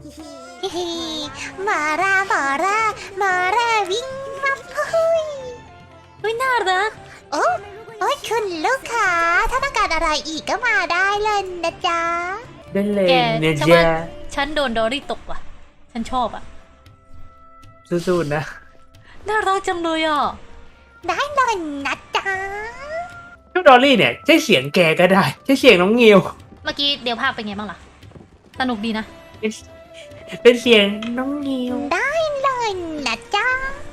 ฮิฮิมาราวิ่งมาเฮ้ยน่ารักโอ้คุณลูกค้าถ้าต้องการอะไรอีกก็มาได้เลยนะจ๊ะได้เลยแกเนี่ยฉันจ้าว่าฉันโดนดอรี่ตกว่ะ ฉันชอบอ่ะสู้ๆนะน่ารักจังเลยอ่ะได้เลยนะจ๊ะชุดดอลลี่เนี่ยใช่เสียงแกก็ได้ใช่เสียงน้องงิวเมื่อกี้เดี๋ยวภาพเป็นไงบ้างล่ะ สนุกดีนะเป็นเสียงน้องงิวได้เลยนะจ๊ะ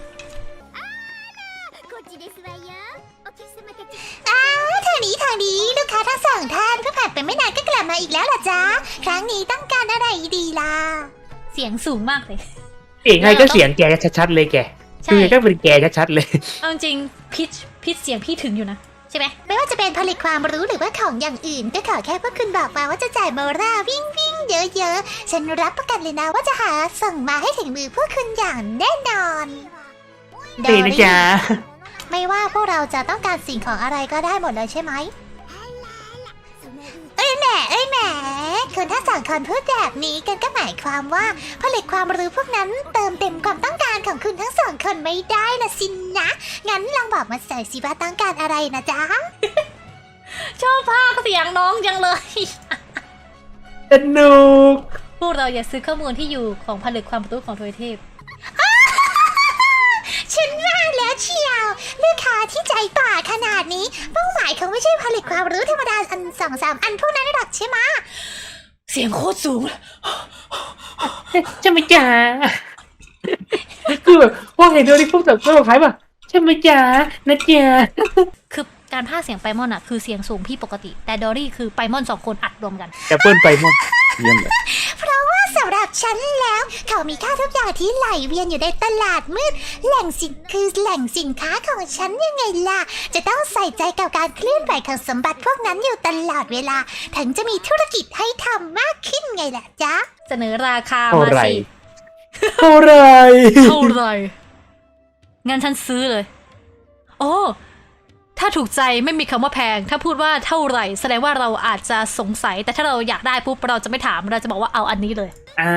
ทางนี้ลูกค้าทั้งสองท่านเพิ่งผ่านไปไม่นานก็กลับมาอีกแล้วล่ะจ๊ะครั้งนี้ต้องการอะไรดีล่ะเสียงสูงมากเลยเสียงไงก็เสียงแกชัดๆเลยแกใช่คือก็เป็นแกชัดๆเลยเอาจริงพิชเสียงพี่ถึงอยู่นะ ใช่ไหมไม่ว่าจะเป็นผลิตความรู้หรือว่าของอย่างอื่นก็ขอแค่พวกคุณบอกมาว่าจะจ่ายโมราวิ่งเยอะๆฉันรับประกันเลยนะว่าจะหาส่งมาให้ถึงมือพวกคุณอย่างแน่นอนดีนะจ๊ะไม่ว่าพวกเราจะต้องการสิ่งของอะไรก็ได้หมดเลยใช่ไหมเอ้ยแหมคุณถ้าสั่งคนพูดแบบนี้กันก็หมายความว่าผลิตความรู้พวกนั้นเติมเต็มความต้องการของคุณทั้งสองคนไม่ได้ละสินนะงั้นลองบอกมาใส่สิว่าต้องการอะไรนะจ๊ะชอบภาคเสียงน้องจังเลยสนุกพวกเราอย่าซื้อข้อมูลที่อยู่ของผลิตความรู้ของทวยเทพฉันว่าแล้วเชียวลูกค้าที่ใจป่าขนาดนี้เป้าหมายเขาไม่ใช่ผลิตความรู้ธรรมดาอัน2-3 อันพวกนั้นหรอกใช่ไหมเสียงโคตรสูงใช่ไหมจ๊ะคือแบบพอเห็นดอลลี่ปุ๊บแบบก็คล้ายแบบใช่ไหมจ๊ะนะจ๊ะคือการพากย์เสียงไปมอนอะคือเสียงสูงพี่ปกติ แต่ดอรี่คือไปมอน2 คนอัดรวมกันจะเปิ้ลไปหมดเยี่ยมเลยเพราะว่าสำหรับฉันแล้วเขามีค่าทุกอย่างที่ไหลเวียนอยู่ในตลาดมืดแหล่งสินค้าของฉันยังไงล่ะจะต้องใส่ใจกับการเคลื่อนไหวของสมบัติพวกนั้นอยู่ตลอดเวลาถึงจะมีธุรกิจให้ทำมากขึ้นไงล่ะจ๊ะเสนอราคาเท่ามาไหรสิเท่าไหรเท่าไหรงั้นฉันซื้อเลย โอ้ถ้าถูกใจไม่มีคำว่าแพง ถ้าพูดว่าเท่าไหร่แสดงว่าเราอาจจะสงสัย แต่ถ้าเราอยากได้ปุ๊บเราจะไม่ถามเราจะบอกว่าเอาอันนี้เลยอ่า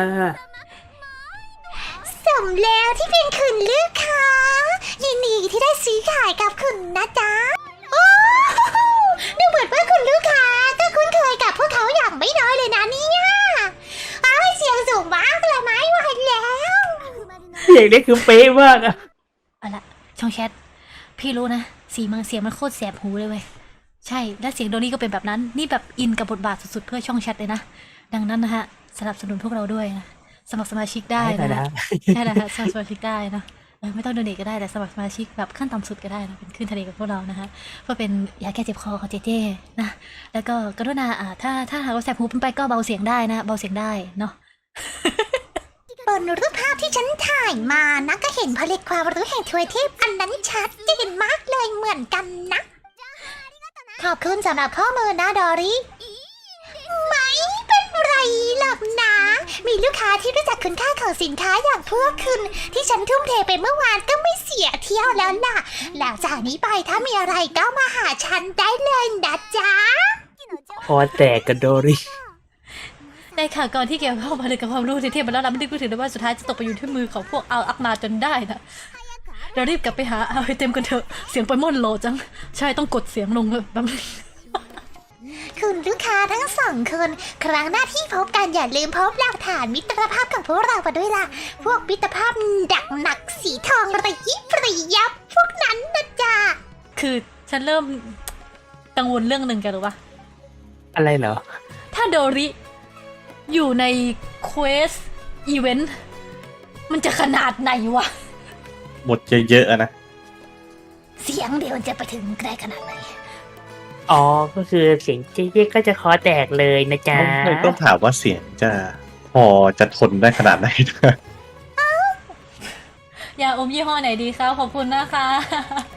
สมแล้วที่เป็นคุณลูกค้ายินดีที่ได้ซื้อขายกับคุณนะจ๊ะโอ้ดูเหมือนว่าคุณลูกค้าก็คุ้นเคยกับพวกเขาอย่างไม่น้อยเลยนะเนี่ยอ้าวเสียงสูงมากเลยไหมไหวแล้วเสียงนี้คือเป๊ะมากอะเอาละช่องแชทพี่รู้นะเสียงมันโคตรแสบหูเลยเว้ยใช่และเสียงโดนี่ก็เป็นแบบนั้นนี่แบบอินกับบทบาทสุดๆเพื่อช่องแชทเลยนะดังนั้นนะฮะสนับสนุนพวกเราด้วยนะสมัครสมาชิกได้นะฮะใช่แล้วฮะสมัครสมาชิกได้นะไม่ต้องโดเนทก็ได้แต่สมัครสมาชิกแบบขั้นต่ำสุดก็ได้นะเป็นขึ้นทะเลกับพวกเรานะฮะเพื่อเป็นยาแก้เจ็บคอของเจเจนะแล้วก็กรุณาถ้าหากว่าแสบหูเป็นไปก็เบาเสียงได้นะเบาเสียงได้เนาะบนรูปภาพที่ฉันถ่ายมานะก็เห็นผลิตความรู้แห่งทวยเทพอันนั้นชัดเจนมากเลยเหมือนกันนะขอบคุณสำหรับข้อมูลนะดอรี่ไม่เป็นไรหรอกนะ มีลูกค้าที่รู้จักคุณค่าของสินค้าอย่างพวกคุณที่ฉันทุ่มเทไปเมื่อวานก็ไม่เสียเที่ยวแล้วล่ะหลังจากนี้ไปถ้ามีอะไรก็มาหาฉันได้เลยนะจ๊ะคอแตกกับดอลลี่ในข่าวก่อนที่เกี่ยวข้องผลิตกับความรู้ที่เทียบมาแล้วเราไม่ได้พูดถึงเลยว่าสุดท้ายจะตกไปอยู่ที่มือของพวกเอาอักมาจนได้นะเรารีบกลับไปหาเอาไอเต็มกันเถอะเสียงไปม่อนโหลจังใช่ต้องกดเสียงลงแบบนี้คุณลูกค้าทั้งสองคนครั้งหน้าที่พบกันอย่าลืมพบหลักฐานมิตรภาพของพวกเรามาด้วยล่ะพวกมิตรภาพดักหนักสีทองระยิบระยับพวกนั้นนะจ๊ะคือฉันเริ่มกังวลเรื่องหนึ่งแกรู้ปะอะไรเหรอถ้าโดริอยู่ในเควสอีเวนต์มันจะขนาดไหนวะหมดเยอะๆอะนะเสียงเดียวจะไปถึงไกลขนาดไหนอ๋อ ก็คือเสียงเจ๊ก็จะคอแตกเลยนะจ๊ะต้องถามว่าเสียงจะพอจะทนได้ขนาดไหนนะยาอมยี่ห้อไหนดีคะขอบคุณนะคะ